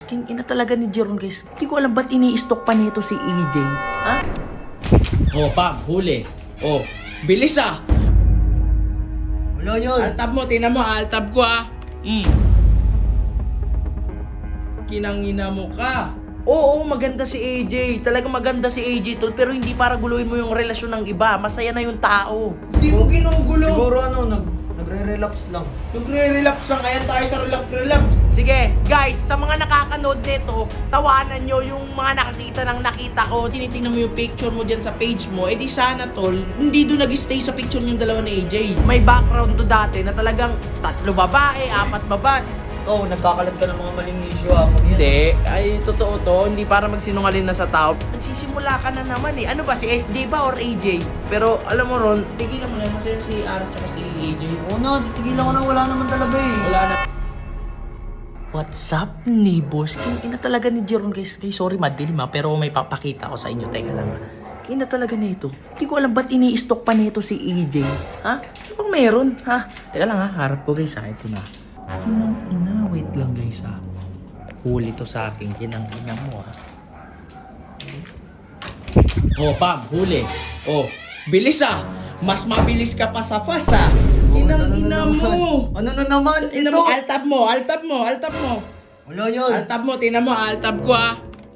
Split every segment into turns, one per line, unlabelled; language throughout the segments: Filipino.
King ina talaga ni Jeron, guys. Hindi ko alam ba't ini-stock pa nito si AJ. Ha?
Oh, Pam, huli. Oh, bilis ah.
Wala yun.
Altab mo, tingnan mo, altab ko ah. Kinangina mo ka.
Oo, maganda si AJ. Talagang maganda si AJ, tol. Pero hindi para guluhin mo yung relasyon ng iba. Masaya na yung tao.
Hindi mo ginugulo.
Siguro nagre-relapse lang.
Nagre-relax lang, kaya tayo sa relax.
Sige, guys, sa mga nakakanood nito, tawanan nyo yung mga nakakita ng nakita ko.
Tinitingnan mo yung picture mo dyan sa page mo, edi sana tol, hindi doon nag-stay sa picture yung dalawa ni AJ.
May background to dati na talagang 3 babae, 4 babae.
Ikaw, nagkakalat ka ng mga maling issue ha. Pag yan.
Hindi, ay totoo to. Hindi para magsinungaling na sa tao. Nagsisimula ka na naman eh. Ano ba, si SJ ba or AJ? Pero alam mo Ron,
Tigilan mo na, masaya si Aras tsaka si AJ.
Oo na, titigilan ko na, wala naman talaga eh.
Wala na.
what's up, neighbors? King ina talaga ni Jeron, guys. Sorry, madilim ha, pero may papakita ko sa inyo. Teka lang. King ina talaga nito. Hindi ko alam ba't ini-stock pa nito si AJ. Ha? Ano bang meron? Ha? Teka lang ha, harap ko guys ha. Ito na. Kinang ina, wait lang guys ha. Huli to sa akin, kinang ina mo ha.
Oh, Pam, huli. Oh, bilis ah. Mas mabilis ka pa sa pasa. Kinangina mo.
Ano na naman?
Tingnan mo, altab mo.
Wala yun.
Altab mo, tingnan mo, altab ko ah.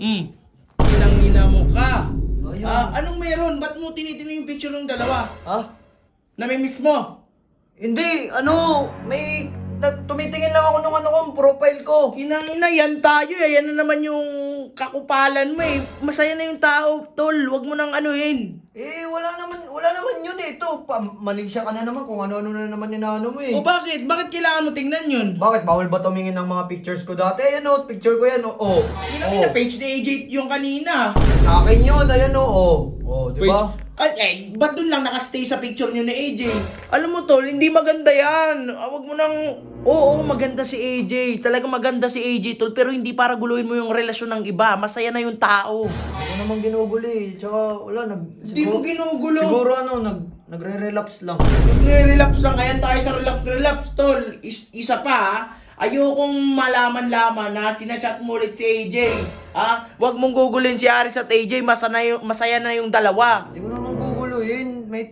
Kinangina mo ka.
Wala yun.
Anong meron? Ba't mo tinitingnan yung picture ng dalawa?
Ha?
Namimiss mo?
Hindi, may... tumitingin lang ako nung profile ko.
Kinangina, yan tayo eh. Yan na naman yung kakupalan mo eh. Masaya na yung tao, tol. Huwag mo nang anuhin.
Eh, wala naman yun eh. Ito, Malaysia ka na naman kung ano-ano na naman inaano mo eh.
O bakit? Bakit kailangan mo tingnan yun?
Bakit? Bawal ba tumingin ng mga pictures ko dati? Ayan o, picture ko yan o. Oh.
Kinangina, page ni AJ yung kanina.
Sa akin yun, ayan o. Oh, di ba?
Ba't dun lang nakastay sa picture nyo ni AJ?
Alam mo tol, hindi maganda yan. Huwag mo nang... Oo, maganda si AJ. Talagang maganda si AJ tol. Pero hindi para guluhin mo yung relasyon ng iba. Masaya na yung tao.
Ako naman ginugulo eh. Tsaka wala,
Hindi mo ginugulo.
Siguro nagre-relapse lang.
Nagre-relax lang, kaya tayo sa relax, tol. Isa pa ha. Ayokong malaman-laman na chinachat mo ulit si AJ. Ha?
Huwag mong gugulin si Aris at AJ. Masaya na yung dalawa.
Hindi ko naman guguluhin. May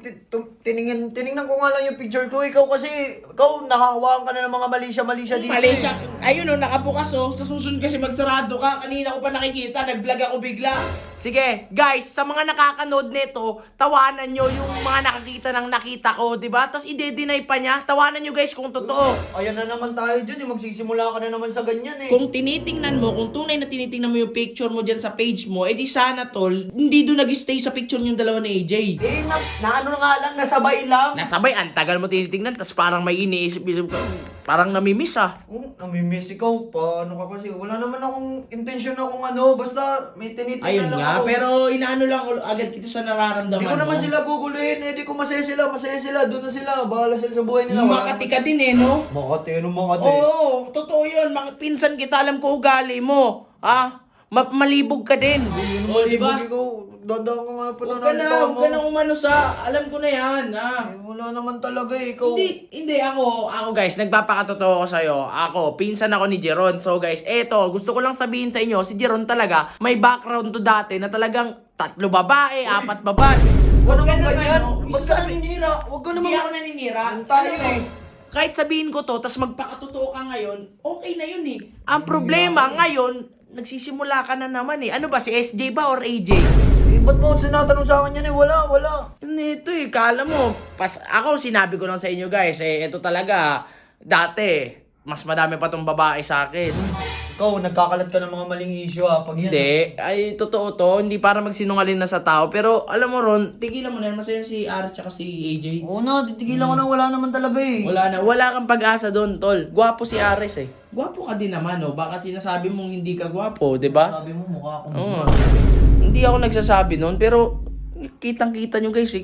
tinignan ko nga lang yung picture ko. Ikaw nakahawaan ka na ng mga Malaysia dito.
Malaysia, ayun o, nakabukas o. Sa susunod kasi magsarado ka. Kanina ko pa nakikita, nag-vlog ako bigla.
Sige, guys, sa mga nakakanood nito, tawanan nyo yung mga nakakita ng nakita ko, di ba? Tapos ide-deny pa niya. Tawanan nyo guys kung totoo.
Ayan na naman tayo dyan. Magsisimula ka na naman sa ganyan eh.
Kung tinitingnan mo, kung tunay na tinitingnan mo yung picture mo dyan sa page mo, edi sana tol, hindi doon nag-stay sa picture yung dalawa ni AJ.
Eh, ano nga lang, nasabay lang.
Nasabay, ang tagal mo tinitingnan, tapos parang may iniisip-isip ka. Parang namimiss ah.
Namimiss ikaw. Paano ka kasi? Wala naman akong intensyon akong basta may tinitingnan
Ayun
lang
nga,
ako.
pero inaano lang agad kita sa nararamdaman
Hindi ko naman
mo.
sila guguluhin. Di ko masaya sila. Doon na sila. Bahala sila sa buhay nila.
Makati ka din eh, no?
Makati, Makati?
Oo, totoo yun. Pinsan kita, alam ko ugali mo. Ah, malibog ka din.
Oh, diba?
Ikaw, dadaan ka nga pa
Huwag ka na umano sa, alam ko na yan, ha?
Wala naman talaga eh. Ikaw.
Hindi ako
Guys, nagpapakatotoo ko sa'yo. Ako, pinsan ako ni Jeron. So guys, eto, gusto ko lang sabihin sa inyo, si Jeron talaga, may background to dati na talagang 3 babae, 4 babae.
Huwag naman
Ganun
ganyan.
ano,
Ba't ka naninira? Huwag ka naman.
Hindi ako naninira.
Ang tayo
Alam mo,
eh.
Kahit sabihin ko to, tas magpakatotoo ka ngayon, okay na yun eh. Ang problema ngayon, nagsisimula ka na naman eh. Ano ba, si SJ ba or AJ?
Eh, ba't mo sinatanong sa akin yan eh? Wala.
Ito eh, kala mo. Ako, sinabi ko lang sa inyo guys, ito talaga, dati, mas madami pa tong babae sa akin.
Ikaw, nagkakalat ka ng mga maling issue Pag yan.
Hindi, ay totoo to, hindi para magsinungaling na sa tao. Pero alam mo Ron,
tigilan mo na, masaya si Aras tsaka si AJ.
Oo na, titigilan ko na. Wala naman talaga eh.
Wala kang pag-asa doon, tol. Gwapo si Ares eh.
Gwapo ka din naman, no? Baka sinasabi mong hindi ka gwapo, di ba?
Sabi mo, mukha akong
Oo. Hindi ako nagsasabi noon, pero kitang-kita nyo guys,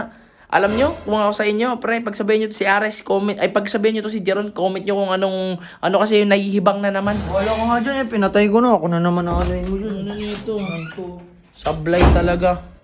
alam nyo, kung ako sa inyo, pre, pagsabihin nyo to si Ares, pagsabihin nyo to si Jeron, comment nyo kung ano kasi yung nahihibang na naman.
Wala ko nga dyan eh. Pinatay ko na. Ako na naman ano yun.
Ano nito?
Sablay talaga.